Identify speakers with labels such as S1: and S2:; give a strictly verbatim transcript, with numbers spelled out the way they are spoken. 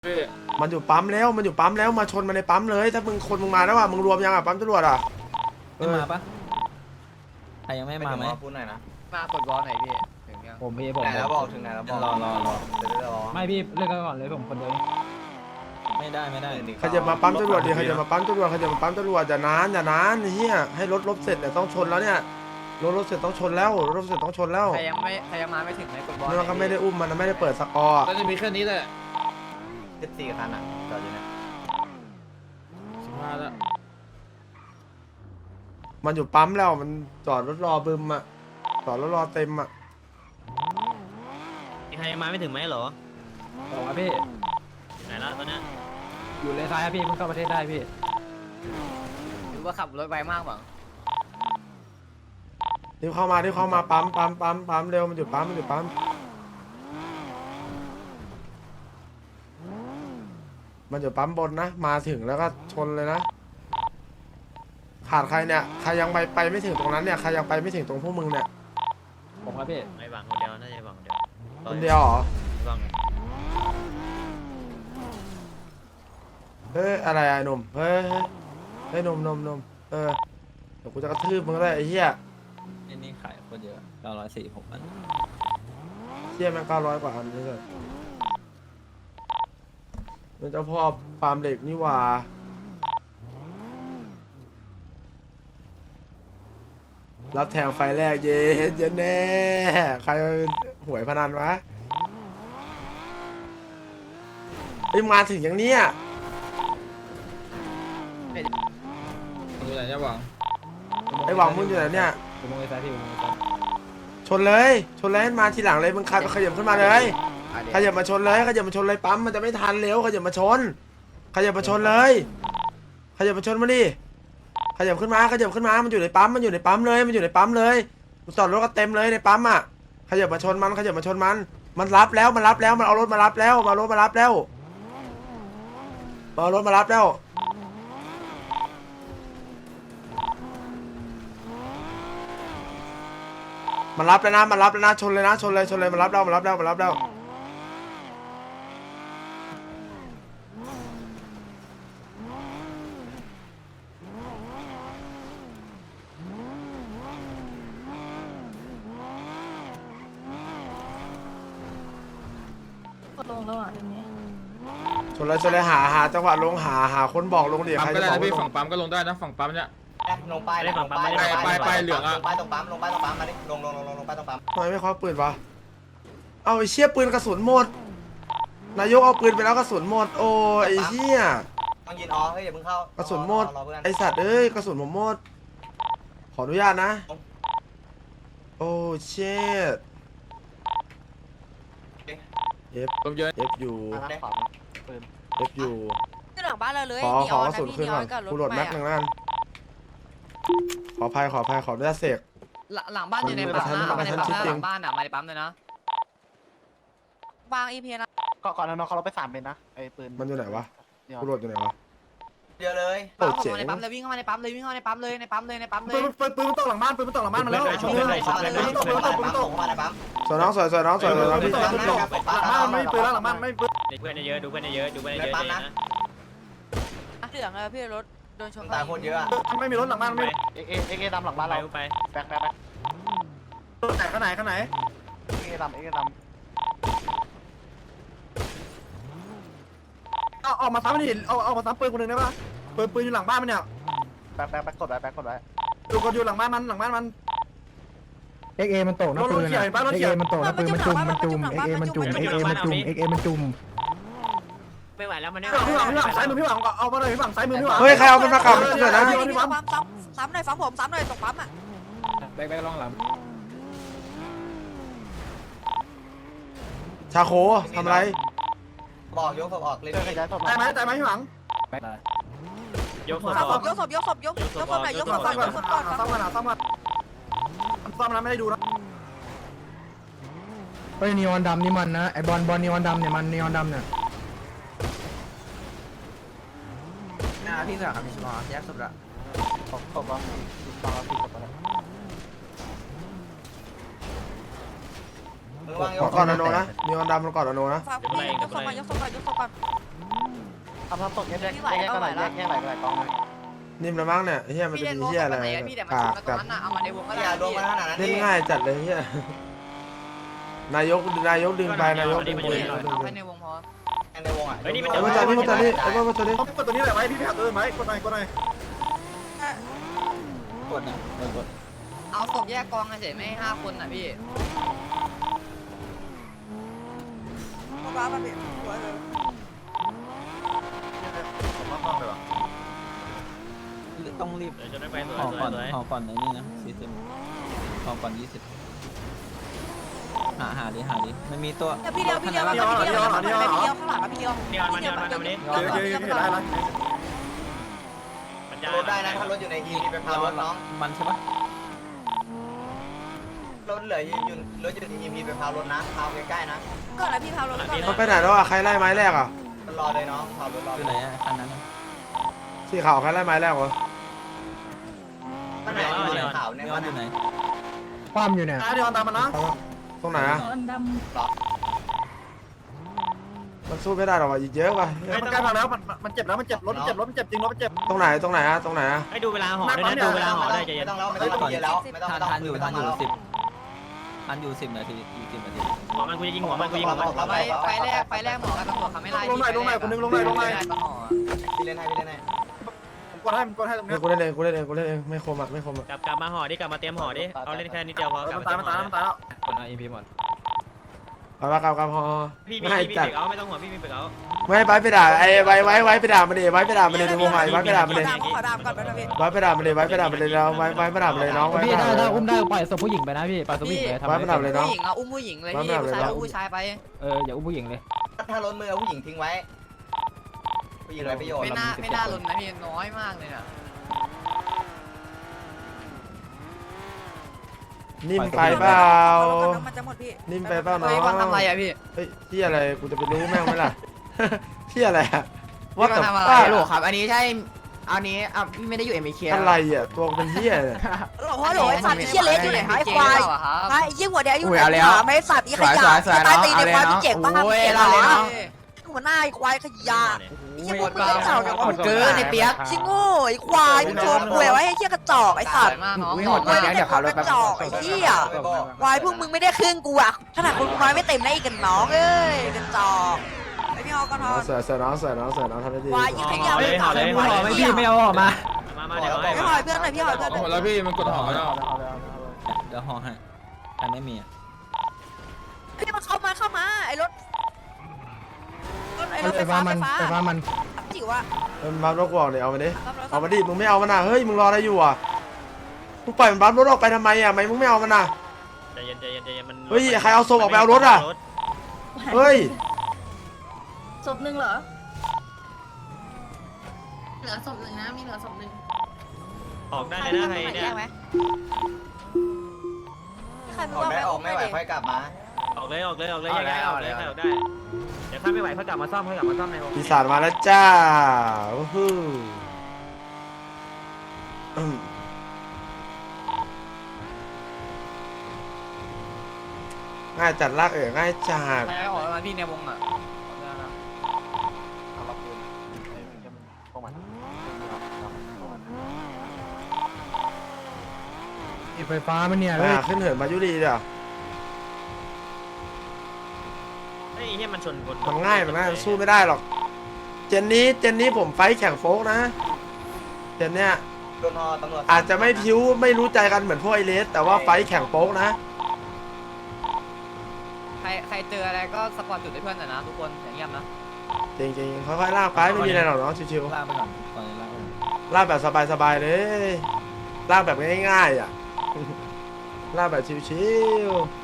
S1: มันอยู่ปั๊มแล้วมันอยู่ปั๊มแล้วมาชนมันในปั๊มเลยถ้ามึงคนมึงมาแล้วอ่ะมึงรวมยังอ่ะปั๊มตำรวจอ่ะ
S2: ไม่มาปะใครยังไม่มาไหม
S3: พูดหน่อยนะ
S4: มากดบอลไหนพี่ถึงยัง
S2: ผมพี่ผม
S3: ไหนแล้วบอกถึงไหนแล้วบอกรอรอรอเดี๋ยวรอ
S2: ไม่พี่เล่นกันก่อนเลยผมคนเดียวไม่ได้ไม่ได้
S1: ใครจะมาปั๊มตำรวจดิใครจะมาปั๊มตำรวจใครจะมาปั๊มตำรวจอย่านานอย่านานเฮียให้รถรถเสร็จเนี่ยต้องชนแล้วเนี่ยรถรถเสร็จต้องชนแล้วรถเสร็จต้องชนแล้ว
S4: ใครยังไม่ใครยังมาไม่ถึงไหนกดบอล
S1: มันก็ไม่ได้อุ้มมันนะไม่ได้เปิดสกอร์
S5: ก็จะมีแค่นี้แหละ
S3: สิบสี่คันอ่ะจอดอยู่เนี่ย
S5: สิบห้าแล้ว
S1: มันอยู่ปั๊มแล้วมันจอดรถรอบึมอ่ะจอดรถรอเต็มอ่ะ
S6: มีใครยังมาไม่ถึงไหมเหรอ
S2: บอกว่าพี่
S6: อยู่ไหนละตอนเนี้ย
S2: อยู่เลนซ้ายพี่เพิ่งเข้าประเทศได้พี่
S4: หรือว่าขับรถไวมากหวัง
S1: รีบเข้ามารีบเข้ามาปั๊มปั๊มปั๊มปั๊มเร็วมันอยู่ปั๊มมันอยู่ปั๊มมันอยู่ปั๊มบนนะมาถึงแล้วก็ชนเลยนะขาดใครเนี่ยใครยังไปไปไม่ถึงตรงนั้นเนี่ยใครยังไปไม่ถึงตรงพวกมึงเนี่ย
S2: ผมครับพี่
S6: ไอ้หวังคนเดียวน่าจะไอ้หวังคนเดียว
S1: คนเดียวเหรอ
S6: หวัง
S1: เฮ้ยอะไรอะไอ้หนุ่มเฮ้ยเฮ้ยเฮ้ยหนุ่มหนุ่มหนุ่มเออเดี๋ยวกูจะกระทืบมึงเลยไอ้เหี้ย
S2: นี่นี่ขายคนเยอะเก้าร้อยสี่หกพัน
S1: เหี้ยแม่งเก้าร้อยกว่าอันนี่เลยมันเจ้าพ่อฟาร์มเหล็กนี่หว่ารับแทงไฟแรกเย็นเย็นแน่ใครหวยพนันวะไอ้ยมาถึงอย่างเนี้ย
S5: ดูไหนจะหวัง
S1: ไอ้หวังมึงอยู่ไหนเนี่ย
S2: ผมมองเลนซ้ายพี่ผมมองเลนซ้าย
S1: ชนเลยชนเลยมาทีหลังเลยมึงขยับขยับขึ้นมาเลยขยับมาชนเลยขยับมาชนเลยปั๊มมันจะไม่ทันเร็วขยับมาชนขยับมาชนเลยขยับมาชนมาดิขยับขึ้นมาขยับขึ้นมามันอยู่ในปั๊มมันอยู่ในปั๊มเลยมันอยู่ในปั๊มเลยจอดรถก็เต็มเลยในปั๊มอ่ะขยับมาชนมันขยับมาชนมันมันรับแล้วมันรับแล้วมันเอารถมารับแล้วมารถมารับแล้วมาเอารถมารับแล้วมันรับแล้วนะมันรับแล้วนะชนเลยนะชนเลยชนเลยมันรับแล้วมันรับแล้วมันรับแล้ว
S7: ลงแล้วอ่ะเดี๋ยวนี้
S1: ชนเลยชนเลยหาหาจังหวะลงหาหาคนบอกลงดิ
S5: ปั๊ม
S1: ใคร
S5: ก็
S1: จะ
S5: ได้
S1: บอก
S5: นะพี่
S1: ว่าล
S5: ฝั่
S1: ง
S5: งปั๊มก็ลงได้นะฝั่งปั๊มเนี่ย
S3: ลงป้ายลงป้ายลงป้ายลงป้ายตรงปั๊มลงป้ายตรงปั๊มมาดิลงลงลงลงลงป้ายตรงปั๊ม
S1: ทำไมไม่คว้าปืนวะเอาไอ้เชี่ยปืนกระสุนหมดนายกเอาปืนไปแล้วกระสุนหมดโอ้ไอ้เชี่ย
S3: ต้องยินอ๋อเฮ้ยอย่าเพิ่งเข้าก
S1: ระสุนหมด
S3: รอเพื่อน
S1: ไอสัตว์เอ้ยกระสุนผมหมดขออนุญาตนะโอ้เชี่ยเอฟ
S5: ลมเยอะ
S1: เอฟอยู่เอฟอยู่
S7: ขึ้นหลังบ้านเราเลย
S1: ขอ
S7: นี
S1: ข
S7: อ
S1: อ
S7: อน
S1: กระ
S7: นะ
S1: สุน
S7: พี่
S1: ขึ้น
S7: นีอ
S1: ก่อ
S7: อน นกับรถ
S1: กูโหลด
S7: ให
S1: แม็
S7: ม่
S1: กหนึ่ง
S7: อะ
S1: นั่นขออภัยขออภัยขออนุญาตเสก
S4: หลังบ้านอยู่ในปั๊มนะมาในปั๊มนะหลังบ้านอ่ะมาในปั๊มเลยนะ
S7: วางอีพีนะ
S8: ก่อนก่อนน้องเขาเราไปสามเป็นนะไอ้ปืน
S1: มันอยู่ไหนวะกูโหลดอยู่ไหนวะ
S3: เยอะเลย
S1: โอ้
S4: ปั๊ม
S1: เจ๋ง
S4: มาในปั๊มเลยวิ่งเข้ามาในปั๊มเลยวิ่งเข้ามาในปั๊มเลยในปั๊มเลยในปั๊มเล
S8: ปื
S4: ย
S8: นปืนปืนมันตกหลังบ้านปืนมันตกหลังบ้านมาแล้ว
S3: ชุบเลยชุบเลยชุบเลยชุบเลยปั๊มส่งมาในปั๊ม
S1: สวยน้องสวยสวยน้องสวยสวยน้องพี่
S8: หลังบ้านไม่มีปืนแล้วหลังบ้านไม่มีปืน
S6: ดูเพื่อนเยอะดูเพื่อนเยอะดูเพื่อนเยอะนะ
S7: เหลืองเลยพี่รถโดนชน
S3: ตายโคตรเยอะอ่ะ
S8: ไม่มีรถหลังบ้านไม่
S6: ไป
S8: เอเอเอเอดำหลังบ้าน
S6: ไป
S8: เรา
S6: ไป
S8: แบกแบกแบกไหนข้างไหนข้างไหนเอเอดำเอเอดำเอาออกมาซ้ำมันดิเอาเอามาซ้ำปืนคนหนึ่งได้ปะปืนปืนอยู่หลังบ้านมันเนี่ยแบกแบกแบกกดไว้แบกกดไว้ดูกดอยู่หลังบ้านมันหลังบ้านมัน
S9: เอ็กเอมันตกนะปืน
S8: รถเขียวเห็นปะรถ
S9: เอ็ก
S8: เขี
S9: เอ
S8: ยว
S9: มันตกนะปืนมันจุ่มมันจุ่มเอ็กเอมันจุ่มเอ็กเอมันจุ่มเอ็กเอมันจุ่ม
S6: ไม่ไหวแล้วมันไม่
S8: พี่
S6: ไห
S8: ห
S6: ว
S8: วังพี่หวังพี่หวังซ้ายมือพี่หวังเอามาเลยพี่หวังซ้ายมือพี่หวัง
S1: เฮ้ยใครเอามันมากลับเดี๋ยวนะ
S7: พี่พี่ปั๊มซ้ำซ้ำหน่อยซ้ำผมซ้ำหน่อยตกปั๊มอ่ะ
S2: แบกแบกลองหลัง
S1: ชาโคทำอะไร
S3: บอกยกศพออกเลย
S8: ตายไหมตายไหมพี่หวัง
S2: แบกได้
S6: ยกศพ
S7: ซ้ำ
S6: อ
S7: ผ
S6: อก
S7: มยกศพยกศพยกยกศพหน่อยยกศพก่อนยกศพก่อน
S8: ซ่อมกันนะซ่อมกันซ่อมนะไม่ได้ดูนะ
S9: เฮ้ยนีออนดำนี่มันนะไอบอลบอลนีออนดำเนี่ยมันนีออนดำเนี่ย
S3: นะพี่สาวครับพี่ชมแยกศพละ
S8: ขอบขอบฟังเราผิดกับอะไร
S3: มือวางย
S1: ขอก ก่อนอโนนะมีวันดำมันก่อนอโนนะ
S7: ฟังพี่ยกศพก่อนยกศพก่อนยกศพก่อน
S8: เอามาตกแยกแยกแยกกันหน่อยแยกแยกหลายหลายกองเลย
S1: นิ่มละมั้งเนี่ยเฮียมัน
S7: พี่
S1: จะ
S7: เล่น
S1: มี
S7: วง
S1: เฮีย
S7: กั
S1: อะไร
S7: บไหนอะพี่แต่มา
S1: ปา
S7: ช
S1: ก
S7: นตร
S1: กับ
S7: งนั้นน่ะเอามาในวงก็ได้
S3: อย่าลง
S7: พี่
S3: มาขนาดนั้น
S1: เล่นง่ายจัดเลยเฮียนายกนายกดึงไปนายกดึงไป
S7: เอาแค่ในวงพอ
S3: ในวงอ่ะ
S1: ไอ้มาจอดนี่มาจอดนี่ไอ้มาจอดนี่
S8: ต้องกดตัวนี้แหละไว้พี่พี่หักเออไหมกดหน่อยกดหน่อย
S2: กดนะกดกด
S7: เอาศพแยกกองเฉยไม่ให้ห้าคนน่ะพี่
S2: ต้องรีบ
S6: เดี๋ยวจะได้ไปสวย
S2: ห่อ
S6: สว
S2: ก่อย น
S6: สวย
S2: ห่อก่อนในนี่นะสี่สิบห่อก่อนยี่สิบหาหาดิหาดิมันมีตัว
S7: พี่เดียวพี่เดียวพี่เดียวพี่เดียวพี่เดียวข้างหลังพี่เดียว
S6: เนียนมาเนียนมาทำนี้
S8: เยอะเยอะเยอะได้ละ
S6: มันจะ
S3: รถได้นะถ้ารถอยู่ในทีไปพารถน้อง
S2: มันใช่ปะ
S3: รถเหลืออยู่รถอยู่ในทีไปพารถนะพาใกล้ๆนะ
S7: ก่อนนะพี่พาวรถก่อนเลย
S1: มันไปไหนแล้วอ่ะใครไล่ไม้แรกอ่ะ
S3: รอเลยน้องพารถรอ
S2: คือไหนอะคันนั้นอะ
S1: สีขาวใครไล่ไม้แรกวะ
S3: มันไหนอยู่ในข่าวเนี่ย
S2: ไม่
S3: มั
S2: ว่าน อยู่ไหน
S9: ความอยู่เนี่ย
S8: เดี๋ยวตามมันนะ
S1: ตรงไหนอ่ะมันสู้ไม่ได้หรอกว่ะอีกเยอะว่ะ
S8: มันใกล้มาแล้วมันมันเจ็บแล้วมันเจ็บรถมันเจ็บรถมันเจ็บจริงรถมันเจ็บ
S1: ตรงไหนตรงไหนอ่ะตรงไหนอ่ะ
S6: ให้ดูเวลาห่อด้วยนะดูเวลาห่อด้วยใจเย็
S3: ไม่
S6: น
S3: ต้องแล้วไม่ต้องเยอะแล้วไม่ต้อง
S2: ทัน
S3: ต้อง
S2: ทันอยู่ทันอยู่สิบทันอยู่สิบนาทีอีกสิบนาที
S6: หัวมันกูจะยิงหัวมันกูยิงหัวมัน
S7: ไปไปแรกไปแรกหมอกับตำรวจเขาไม่ไล่
S8: ลงหน่อยลงหน่อยคนนึงลงหน่อยลงหน่อย
S3: พี่เล่นให้พี่เล่นให้
S8: กดให้มันกดให้ตรง
S1: เฮ้
S8: นี้
S1: ยกูเล่นเองกูเล่นเองกูเล่นเองไม่คมอ่ะไม่คมอ่ะ
S6: กลับกลับมาห่อดิกลับมาเตรียมห่อดิเอาเล่นแค่นิดเดียวพอกลับ
S8: มันตายมันตายมันตายแล้ว
S2: คนเอาอีพีหมด
S1: เอาละครับครับพอ
S6: พี่มี
S1: ไม่
S6: พี่มี
S1: จัด
S6: เบรกเอาไม่ต้องห่วงพี่มีเบรกเอา
S1: ไม่ไปไปด่าไอ้ไว้ไว้ไว้ไปด่ามันดิไว้ไปด่ามันเลยในวงไว้ไว้ไปด่ามันเลย
S7: ขอดามก่อนไปนะพี่
S1: ไว้ไปด่ามันเลยไว้ไปด่ามันเลยแล้วไว้ไว้ไปด่ามันเลยน้องไว้ไป
S9: พี่
S1: ด่า
S9: ถ้า
S1: มันเลย
S9: ถ้าอุ้มได้ปล่อยศพผู้หญิงไปนะพี่ปล่อยศพผู้หญิงไปทำ
S1: ไว้
S9: อะไร
S1: ไปด่ามันเลยน้อง
S7: ผู้หญิงเอาอุ้มผู้หญิงเลยพี่ผู้ชายเอาผู้ชายไป
S9: เอออย่าอุ้มผู้หญิงเลย
S3: ถ้ารถมือเอาผู้หญิงทิ้งไว้ผู้หญิงไรประโยชน์
S7: ไม่น่าไม่น่าลุ้นนะพี่น้อยมากเลยนะ
S1: นิ่มไปเปล่า
S7: มันจะหมดพี่
S1: นิ่มไปเปล่าน้อ
S7: เฮ้ย
S1: ง
S7: วันทำอะไรอะพี่
S1: เฮ้ยที่อะไรกูจะไปรู้แม่งไหมล่ะ ที่อะไรอะ
S7: ว่า
S1: ว่าแต่
S7: ทำอะไร
S1: ป้า
S7: หรอครับ อันนี้ใช่ อันนี้อ่ะพี่ไม่ได้อยู่เอ็มบีเค
S1: อะไรอ่ะตัวเป็นเหี้ยเนี่ย
S10: โอ้โหโหไอ้สัตว์ไอ้เหี้ยเล็กอยู่ไหนหายควายไอ้เหี้ยหัวแดงอยู่ไหนหาไม่สัตว์ไอ้ขยะตายตีในควายพี่เจ๋งมากพี่เจ๋งเหรอหัวหน้าไอ้ควายขยะไอ้เหี้ยพวกมึงเจ้าเนี่ยว่าเกินไอ้เปียกชิงโง่ไอ้ควายมึงโชว์ป่วยไว้ให้เหี้ยกระจอกไอ้สัตว์
S7: มากน้อง
S10: วิ่งหดเดี๋ยวขับรถกระจอกไอ้เหี้ยควายพวกมึงไม่ได้ครึ่งกูอะขนาดคนกูน้อยไม่เต็มได้อีกกันน้องเอ้ยกระจอกไอ้พี่ฮอก่อนฮอ
S1: เสือเสือน้องเสือน้องเสือน้องทำได้ดี
S10: ควายยิ่งขยะไม่
S6: ห่อเลย
S10: ควาย
S6: ไม่
S10: เหี้ย
S2: ไม่เอาออกมา
S6: มามาเดี๋ยวให้
S10: ไม่หอยเพื่อนหน่อยพี่หอยเพื่อน
S5: หมดแล้วพี่มันกดห่อแล้ว
S2: เดี๋ยวห่อให้ใครไม่มีอะ
S10: พี่มันเข้ามาเข้ามาไอ้รถรถไอ้รถไฟ
S9: ไฟฟ้า
S10: ฟ้า
S9: มัน
S10: ไฟฟ้า
S9: ไฟฟ้ามัน
S10: จิ๋วอะ
S1: เออมันบัฟรถกูออกเดี๋ยวเอามาดิเอามาดิมึงไม่เอามันนะเฮ้ยมึงรออะไรอยู่อ่ะมึงปล่อยมันบัฟรถออกไปทำไมอ่ะทำไมมึงไม่เอามันน่ะ
S6: ใจเย็นใจเย็นใจเย็นมัน
S1: เฮ้ยใครเอาศพออกไปเอารถอ่ะเฮ้ย
S10: ศพหนึ่งเหรอ
S7: เหลือศพหนึ่งนะมีเหลือศพหนึ่ง
S6: ออกได้เลยนะใครเนี่ย
S10: ใคร
S3: ออกได้ออกไม่ไหวค่อยกลับมา
S6: ออกเลยออกเลยออกเลยยังไงออกเลยออกได้เดี๋ยวถ้าไม่ไหวเขากลับมาซ่อมเขากลับมาซ่อมในวง
S1: ปีศาจมาแล้วจ้าโอ้โหอืมง่ายจัดลากเอ๋ง่ายจัด
S7: ใครออกมาพี่ในวงอ่ะ
S8: เอาล็อกปืนไอ้มันจะตรงมัน
S9: ไฟฟ้ามันเนี่ยเลย
S1: อ่าขึ้นเหินมายุรีเดี๋ยว
S6: เฮ้ยเฮียมันชนคน
S1: มันง่ายมันง่ายมันสู้ไม่ได้หรอก เจนนี้เจนนี้ผมไฟท์แข่งโฟกนะ เจนเนี้ย
S3: โดนฮอตำรวจ
S1: อาจจะไม่พิ้วไม่รู้ใจกันเหมือนพวกไอเลสแต่ว่าไฟท์แข่งโป๊กนะ
S7: ใครใครเจออะไรก็สปอร์ตจุดให้เพื่อนหน่อยนะทุกคนอย่างเงียบนะ
S1: จริงๆค่อยๆลากไปไม่มีอะไรหรอกน้องชิว
S2: ลากไปก่อนก่อนลากไป
S1: ๆลากแบบสบายๆเลยลากแบบง่ายๆอ่ะ ลากแบบชิวๆ